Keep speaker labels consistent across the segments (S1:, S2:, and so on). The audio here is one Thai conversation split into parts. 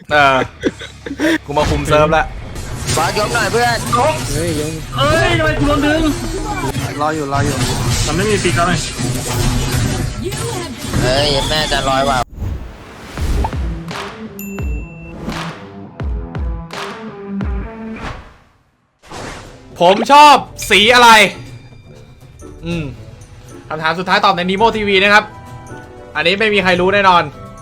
S1: เออกูมาคุมเซิร์ฟแล้ว
S2: บอสยกหน่อยเพื่อน
S3: เฮ้ยยง
S4: เอ้ยทำไมกูโดนดึง
S3: รออยู่
S4: มันไม่มีปีกแล้วไง
S2: เฮ้ยแม่จะร้อยว่ะ
S1: ผมชอบสีอะไรคำถามสุดท้ายตอบใน Nemo TV นะครับอันนี้ไม่มีใครรู้แน่นอน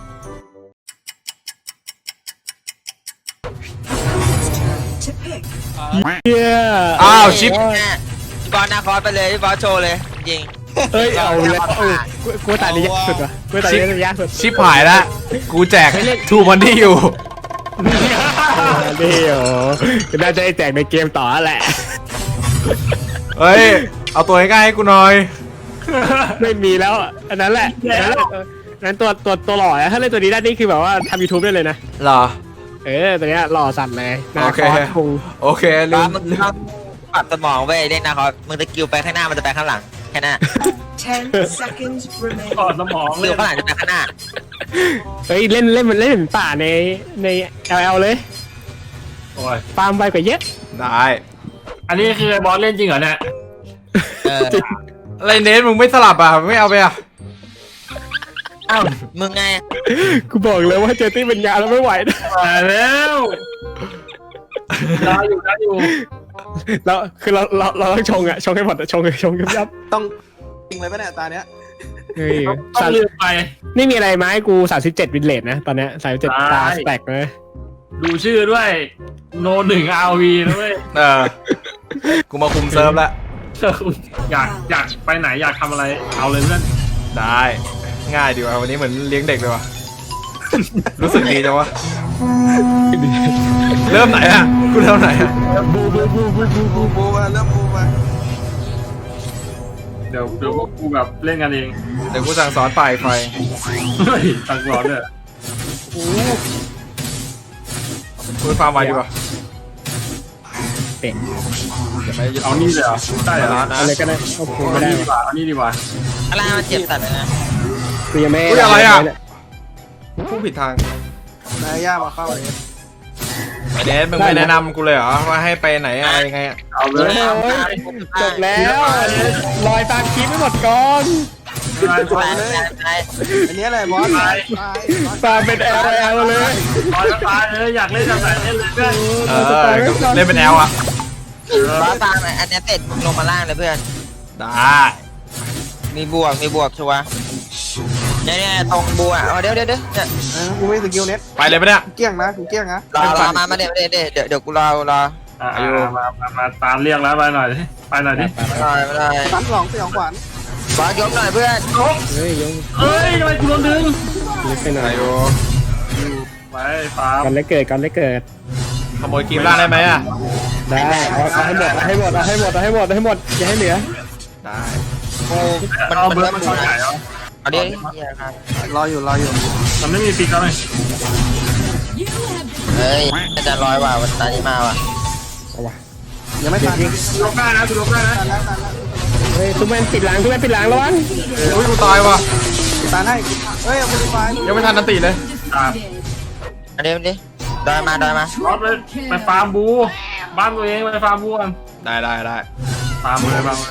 S1: อ้าวชิป
S2: พี่บอสนาคอสไปเลยพี่บอสโชว์เลยจริง
S3: เฮ้ยเอาเลยกูตัดนี้ยากสุดว่ะกูตัดนี้ยากสุด
S1: ชิปหายแล้วกูแจกทูมันที่อยู่
S3: เดี๋ยวน่าจะแจกในเกมต่อแหละ
S1: เฮ้ยเอาตัวใกล้ๆให้กูหน่อย
S3: ไม่มีแล้วอันนั้นแหละนั้นตัวหล่อถ้าเล่นตัวนี้ได้นี่คือแบบว่าทำ YouTube ได้เลยนะ
S1: หรอ
S3: ตัวนี้หล่อสั่นเลย
S1: โอเคโอเคลืม
S2: ปรับสมองเว้ยเล่นนาคอสมึงจะกิ้วไปข้างหน้ามันจะไปข้างหลังแค่นั้น
S4: 10 seconds remain ปรับสมอง
S2: กิ้วข้างหลังจะไปข้างหน้า
S3: เฮ้ยเล่นมันเล่นเหมือนป่าใน LL เลย
S4: โอ้ย
S3: ฟาร์มไปกว่าเยอะ
S1: ได้
S4: อันนี้คือบอสเล่นจริงเหรอเนี่ย
S1: อะไรเนทมึงไม่สลับอ่ะไม่เอาไปอ่ะ
S2: อ้าวมึงไง
S3: กูบอกเลยว่าเจอตี้เป็นยาแล้วไม่ไหวนะ
S4: แล้วได้อยู่
S3: แล้วคือเราต้องชงให้หมดชงยับ
S5: ต้องจริงเลยป่ะเนี่ยตาเนี้ย
S4: ต้องลืมไป
S3: นี่มีอะไรไหมกู37วินเลทนะตอนเนี้ย37ตาสแต็กเลย
S4: ดูชื่อด้วยโน1 RV นะเว้ย
S1: กูมาคุมเซิร์ฟแล้ว
S4: อยากไปไหนอยากทำอะไรเอาเลยเพื่อน
S1: ได้ง่ายดีว่ะวันนี้เหมือนเลี้ยงเด็กเลยว่ะรู้สึกดีจังวะเริ่มไหนอ่ะกูเริ่มไหนอ่ะ
S5: บูมาเริ่มบูมา
S4: เดี๋ยวพวกกูแบบเล่นกันเอง
S1: เดี๋ยวกูสั่งสอนฝ่ายไฟ
S4: สั่งสอนเนี่ย
S1: พูดฟาร์มไว้ดีกว่า
S3: เป็น
S4: เอานี่เลยเหรอได้เหรอ
S3: อะไรก็ได้เอาคูไม่ได้
S4: เอานี่ดีกว่า
S2: อะไรมันเจ็บสัตว์นะ
S3: กูยังไม่
S1: อะไรอ่ะพูดผิดทาง
S5: นายย่ามาเข้าเลย
S1: ไอเดนมึงไม่แนะนำกูเลยเหรอว่าให้ไปไหนอะไรยังไง
S4: เอาเลย
S3: จบแล้วลอยตามคลิปไม่หมดก่อน
S5: อันนี้อะไรบอส
S3: ตามเป็นLเลย
S4: บอสตายเลยอยากเล่นแบบไหนเล่นเลยเพื่อน
S1: เล่นเป็นLอ่ะ
S2: บอสตามอันนี้เสร็จมึงลงมาล่างเลยเพื่อน
S1: ได้
S2: มีบวกชัวร์เนี่ยตรงบวกเดี๋ยว
S5: กูไม่สกิลเน็ต
S1: ไปเลยปะเนี่ย
S5: เกี้ยงนะกูเกี้ยงนะ
S2: รอมาเดี๋ยวกูรอ
S4: มาตามเรียกแล้วไปหน่อยดิ
S2: ไม่ได้
S5: 3 2 4 ขวัญ
S2: บอสยกหน่อยเพื่อน
S3: เฮ้ยยง
S4: เฮ้ยทำไมกูโดนดึง
S3: ไปไหนโย
S4: ไปฟาร์ม
S3: กันเลยเกิด
S1: ขโมยกีมล่างได้ไหมอ่ะ
S3: ได้เอาให้หมดอย่าให้เหลือ
S1: ได้
S4: โอ้มันเบิร์ดมันเข้าใหญ่เหรอ
S2: เอาดิ
S5: รออยู่
S4: มันไม่มีปีกแล้วไง
S2: เฮ้ยจะร้อยว่ะวันตานี้มาว่ะ
S5: ยังไม่ทัน
S4: ลงได้นะ
S3: เฮ้ยทุกแม่ปิดหลังระวัง
S1: อุ้ยกูตายว่ะ
S5: ตาให้เฮ้ยมูลไฟ
S1: ยังไม่ทันนันติเลย
S2: อันนี้ดอยมา
S4: ไปฟาร์มบูบ้านตัวเองไปฟาร์มบูกัน
S1: ได้
S4: ฟาร์มเลยบ้าง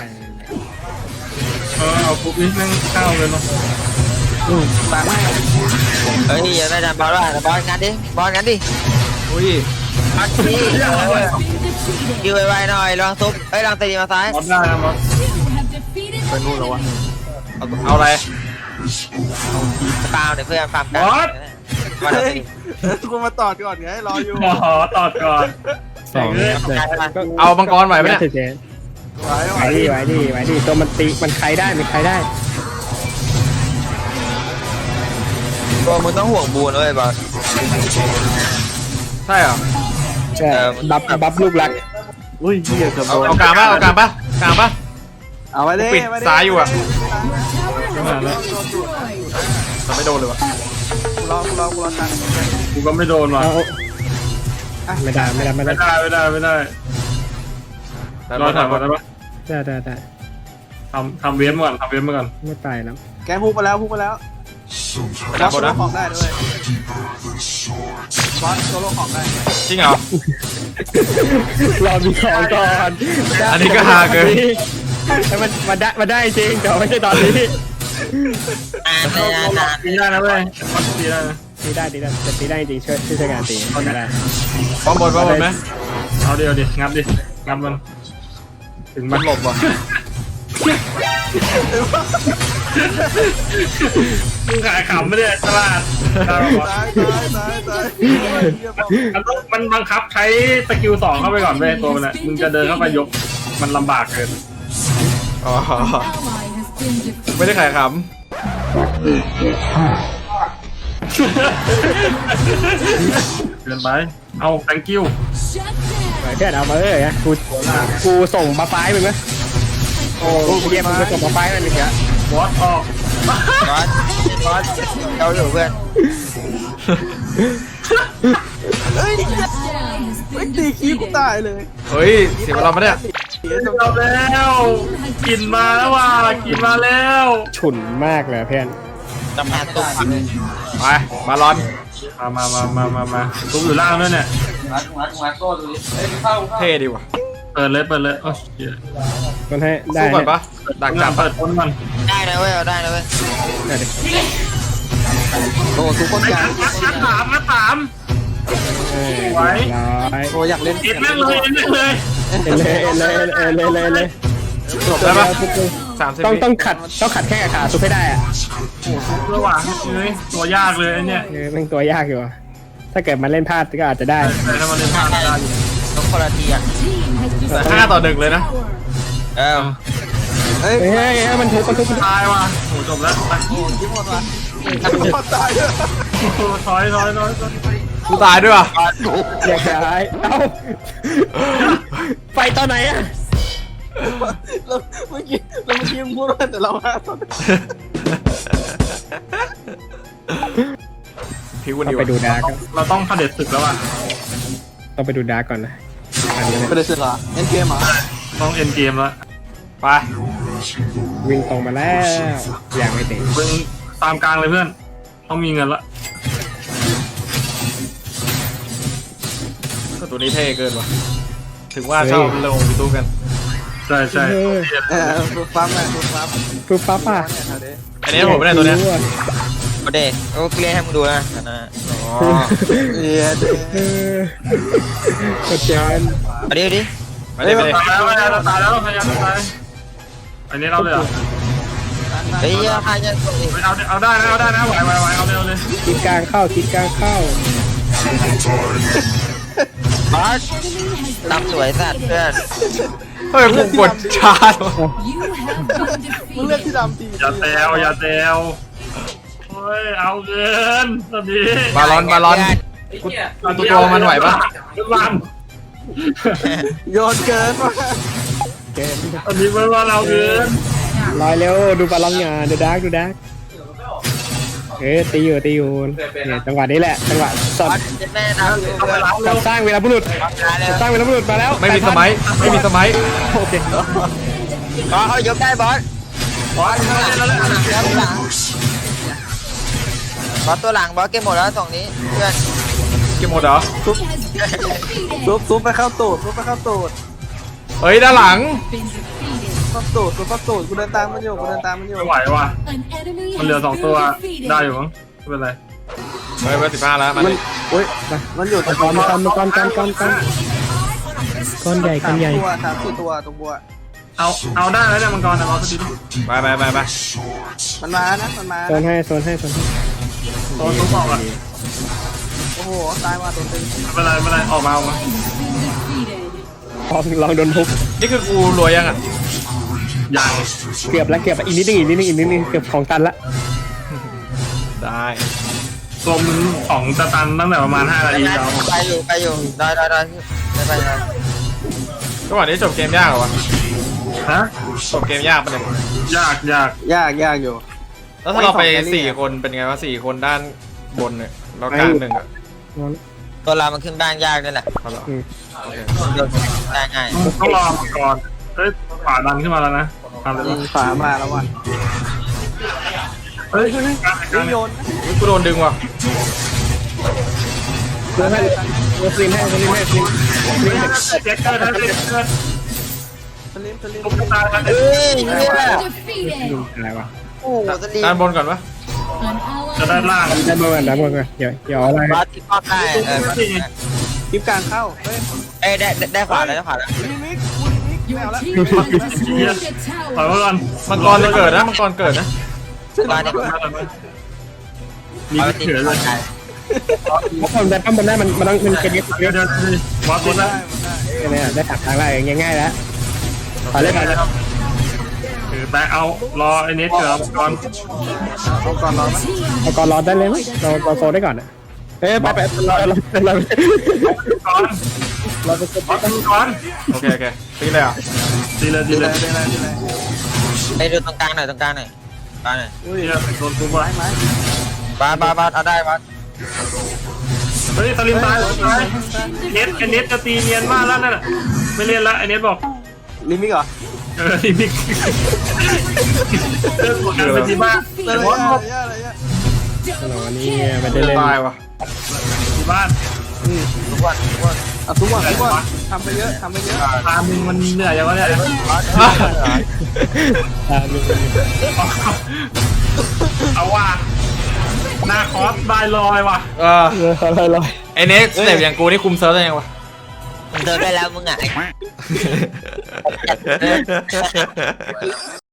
S4: เอาปุ๊บนี่แม่งเข้าเลยเนาะ
S5: ตาให้
S2: เฮ้ยอย่าได้ดันบอลว่ะบอลงั้นดิ
S1: อุ้ย
S2: คิวไวๆหน่อยลองซุปลองตีมาซ้าย
S4: บอลได้นะบอล
S1: ไปนู่นแล้ววะเอาอะไร
S2: ฟาร์มเพื่อนฟาร์มกัน
S5: กูมาตอดก่อนไงรออยู่
S4: ตอดก่อน
S1: เอามังกรไหวไหมเนี่ย
S3: ไหวดิตัวมันใครได้
S2: ตัวมึงต้องห่วงบูนด้วยบอล
S1: ใช่เหรอ
S3: ใช่บัฟลูกรัก
S5: อุ้ยเหี้ยเกือบโดน
S1: เอากลางปะ
S5: เอาไว้ดิ
S1: ปิดซ้ายอยู่อ่ะแต่ไม่โดนเลยวะ
S5: กูรอกัน
S4: กูก็ไม่โดนว่ะ
S3: ไม่ได้
S4: รอถามก่อนได้ปะ
S3: ได้
S4: ทำเวฟมาก่อน
S3: ไม่ไปแล้ว
S5: แกพุกมาแล้ว
S1: ไปดับบนนะ
S5: ของได้ด้วยบอสโซโล่ของได้
S1: จริงเหรอ
S3: รอมีของก่อน
S1: อันนี้ก็ฮาเกิน
S3: แต่มันได้จริงแต่ไม่ใช่ตอนนี้
S2: นาน
S4: ตีได้นะเว้ยตีได้นะ
S3: ตีได้แต่ตีได้จริงช่วยงานตีก็ได้
S1: ป้อมบนไหม
S4: เอาเดียวดิงับมัน ถึง
S1: มั
S4: มัน น
S1: หลบว่ะ
S4: มึงขายขำไม่ได้ตลาด
S5: ตาย
S4: มันบังคับใช้สกิล2เข้าไปก่อนเว้ยตัวมันน่ะมึงจะเดินเข้าไปยกมันลำบากเกิน
S1: อ๋อไม่ได้ขายข
S4: เกินไปเอา thank you
S3: เพื่อนเอามาเลยนะกูส่งมาไฟมึงไหมโอ้เยี่ยมมึงไปส่งมาไฟมันเลยอะ
S4: บอสออก
S2: บอสเราอยู่เพื่อน
S5: ไม่ตีคีบกูตายเลย
S1: ำเฮ้ยเสียเวลาปะเนี่ย
S4: เอาแล้วกินมาแล้วว่ะกินมาแล้ว
S3: ฉุนมากเลยเพื่อน
S2: จะมาตุ้ม
S1: ไปบาลอน
S4: มาตุ้มอยู่ล่างด้วยเนี่ย
S1: เท่ดีว่ะ
S4: เปิดเลยโอ้ย
S3: มันให้ได้
S1: สู้ก่อนปะดักจับ
S4: เปิดคนมัน
S2: ได้นะเว้ยเอาได้นะเว้ย
S5: โอ้ทุกคนกลาง
S4: มาถาม
S3: ร้อย
S5: โอ้อยากเล่น
S4: เอ็ดแม่งเลย
S3: เลย
S1: จบได้ปะ30
S3: ต้องขัดแค่กับขาซุปให้ได้อะ
S4: ระหว่างเลยตัวยากเลยเนี่ย
S3: มันตัวยากอยู่ถ้าเกิดมันเล่นพลาดก็อาจจะได้
S4: แต่ถ้ามันเล่นพลาดได้
S2: ต้องคนละทีอ่ะ
S1: 5-1เลยนะ
S2: เออ
S5: เฮ้ย
S3: เฮ้ยมันทุบ
S4: ตายว่ะโหจบแล้วไป
S5: คิดหมดว่ะหมดตายเลย
S4: ถอย
S1: กูตายด้วยว่ะ
S3: อยากย้ายเอ้าไฟตอนไหนอะ
S5: แล้วเมื่อกี้มึงพูดว่าแต่เราห้าตอน
S1: พิววัน
S3: ต้อ
S1: นี้
S3: งไปดูดาร์ก
S4: เราต้องเผด็จศึกแล้วอ่ะ
S3: ต้องไปดูดาร์กก่อนนะอันนี้
S5: เป็นเสือเหรอเล่นเกมเหรอ
S4: ต้องเอ็นเกมแล้ว
S1: ไป
S3: วิ่งตรงมาแล้วอย่างไม่ติด
S4: มึงตามกลางเลยเพื่อนต้องมีเงินละ
S1: ตัวนี้เท่เกินว่ะถึงว่าชอบลงยูทูบกัน
S4: ใช่
S5: ฟูฟัมไงฟูฟัม
S3: ปุ๊บปั๊บอ่ะ
S1: อันนี้ผมไม่ได้ตัวเนี้ย
S2: โอเดโอเคให้มึงดูนะนะ
S1: อ๋อ
S5: เอียด
S3: กดจาน
S2: เอาดิ
S1: ไม่ได้
S4: ตายแล้วพยายามตายอันนี้เราเลยเหรอ
S2: เฮ้ยพายจะ
S4: เอาได้นะไหวเอาเลย
S3: คิดกลางเข้า
S2: บอสตำสวยสัตว์เพื่อน
S1: เฮ้ยกูกดชาร์จว่ะ
S5: มึงเลือกที่ดำที
S4: อย่าแซวโอ้ยเอาเงินตอนนี้
S1: บาลอนกูตัวมันไหวปะ
S4: วัน
S5: โยนเกินว่ะ
S3: เกม
S4: ตอนนี้เมื่อวานเราเงิน
S3: ลอยเร็วดูบอลลอนงานดูดาร์กตีอยู่เนี่ยจังหวะนี้แหละจังหวะส
S2: บ
S3: ด
S2: อสจะแม่ดาวอยู่เพื่อน
S3: สร้างเวลาบุรุษ
S2: มาแล้ว
S3: สร้างเวลาบุรุษมาแล้ว
S1: ไม่มีสมัย
S3: โอเค
S2: บอสเขายกได้บอส
S4: บอส
S2: บอสตัวหลังบอสเก็บหมดแล้วสองนี้เพื่อน
S1: เก็บหมดเหรอ
S5: ซุปไปเข้าตูด
S1: เฮ้ยด้านหลัง
S5: เข้าตูดกูเดินตามมันอยู่
S4: ไม่ไหวว่ะมันเหลือ2ตัวได้อยู่มั้งไม่เป็นไร
S1: เฮ้ยเบอร์15แล้วมัน
S5: อุ้ยมันอยู่ตรง
S3: ก้อนใหญ่
S5: ตัว3-4ตัวตรงบัว
S4: เอาได้แล้วเนี่ยมังกรนะเอาสักที
S1: ไป
S5: มันมานะมันมา
S3: โซนให้
S4: ตัวทุกออกอ่ะ
S5: โอ้โหตายว่ะตัวตึง
S4: ไม่เป็นไรออกมา
S3: ลองโดนทุบ
S1: นี่คือกูรวยยังอ่ะ
S4: อย่าง
S3: เกือบแล้วอีกนิดนึงเกือบของตันละ
S1: ได้
S4: ตัวมึงของจะตันตั้งแต่ประมาณ5 นาทีแล้ว
S2: ไปอยู่ได้ไป
S1: จังหวะนี้จบเกมยากเหรอวะ
S4: ฮะ
S1: จบเกมยากปะเนี่ย
S4: ยาก
S5: ยากอยู่
S1: แล้วถ้าเราไป4คนเป็นไงวะ4คนด้านบนเนี่ยเรากลางหนึ่งอ่ะ
S2: ตัวเรามันขึ้นบ้านยากด้วยแหละ
S1: เอาเหรอโอเค
S2: โดนได้ง่าย
S4: ต้องรอมังกรเฮ้ยขวาดันขึ้นมาแล้วนะทำเลย
S5: ฝามาแล้วว่ะ
S4: ไเฮ้ยกลาง
S5: โยน
S1: อุ๊ยกูโดนดึงว่ะ
S3: เดี๋ยวให้เดี๋ยวซีนให้ซีนให้ซีน
S4: เจ็คเกอร์ท่านเจ็คเกอร์
S5: สลิม
S4: ตุ๊กตาท่าน
S2: เฮ้ยเนี่ย
S3: ดูอะไรวะ
S2: โอ้โหสลี
S1: ด้านบนก่อนปะ
S4: จะด้านล่าง
S3: ด้านบนก่อนด้านบนก่อนเดี๋ยวอะไร
S2: บอสที่ป้อมได้บอส
S5: คลิปกลางเข้าเฮ้ย
S2: เอ้ยได้ขวาแล้วได้ขวาแล้ว
S5: ลิมิกไม่เอาละ
S4: ถอยมาก่อน
S1: มังกรจะเกิดนะมังกรเกิดนะ
S2: มาเนี่ย
S4: มีเถื่อนเลย
S3: เพราะคนแต่ปั้มบนได้มันต้องมันเป็นเยอะ
S4: เดี๋ยวบอสตัวนั้น
S3: เนี่ยได้ตัดทางได้ง่ายๆแล้วไปเลยไปเลย
S4: แต่เอารอไอ้เน็ตเกิดก่อน
S5: เอาก่อนเราไหม
S3: เอาก่อนรอได้เลยไหมเราโซได้ก่อนอ่ะเอ้ยไปรอ
S4: ก่อน
S3: เราไป
S4: บอสก่อน
S1: โอเคตีเลยอ่ะ
S4: ดีเลย
S2: ไอ้ดูตรงกลางหน่อยตรงกลางหน่อยกลางหน่อย
S4: ดีเลยโดนกูไป
S5: ไหม
S2: บาสเอาได้บาส
S4: เฮ้ยสลิมตายเน็ตไอ้เน็ตจะตีเนียนมากแล้วนั่นแหละไม่เล่นละไอ้เน็ตบอก
S5: ลิมิกเหรอ
S4: ลิมิกเลิกกดกันเป็นที่บ้าน
S5: อะไรอะ
S3: วันนี้ไม่ได้เล่น
S1: ตายว่ะ
S4: ที่บ้าน
S2: ทุกวัน
S5: ทุกวันทำไปเยอะ
S4: ตามึงมันเหนื่อยยังวะเนี่ย เอาว่ะหน้าคอสได้ลอยว่ะ
S3: อะไร
S1: ไอเน็กสเต็ปอย่างกูนี่คุมเซิร์ฟได้ยังวะ
S2: มึงเจอได้แล้วมึงอ่ะ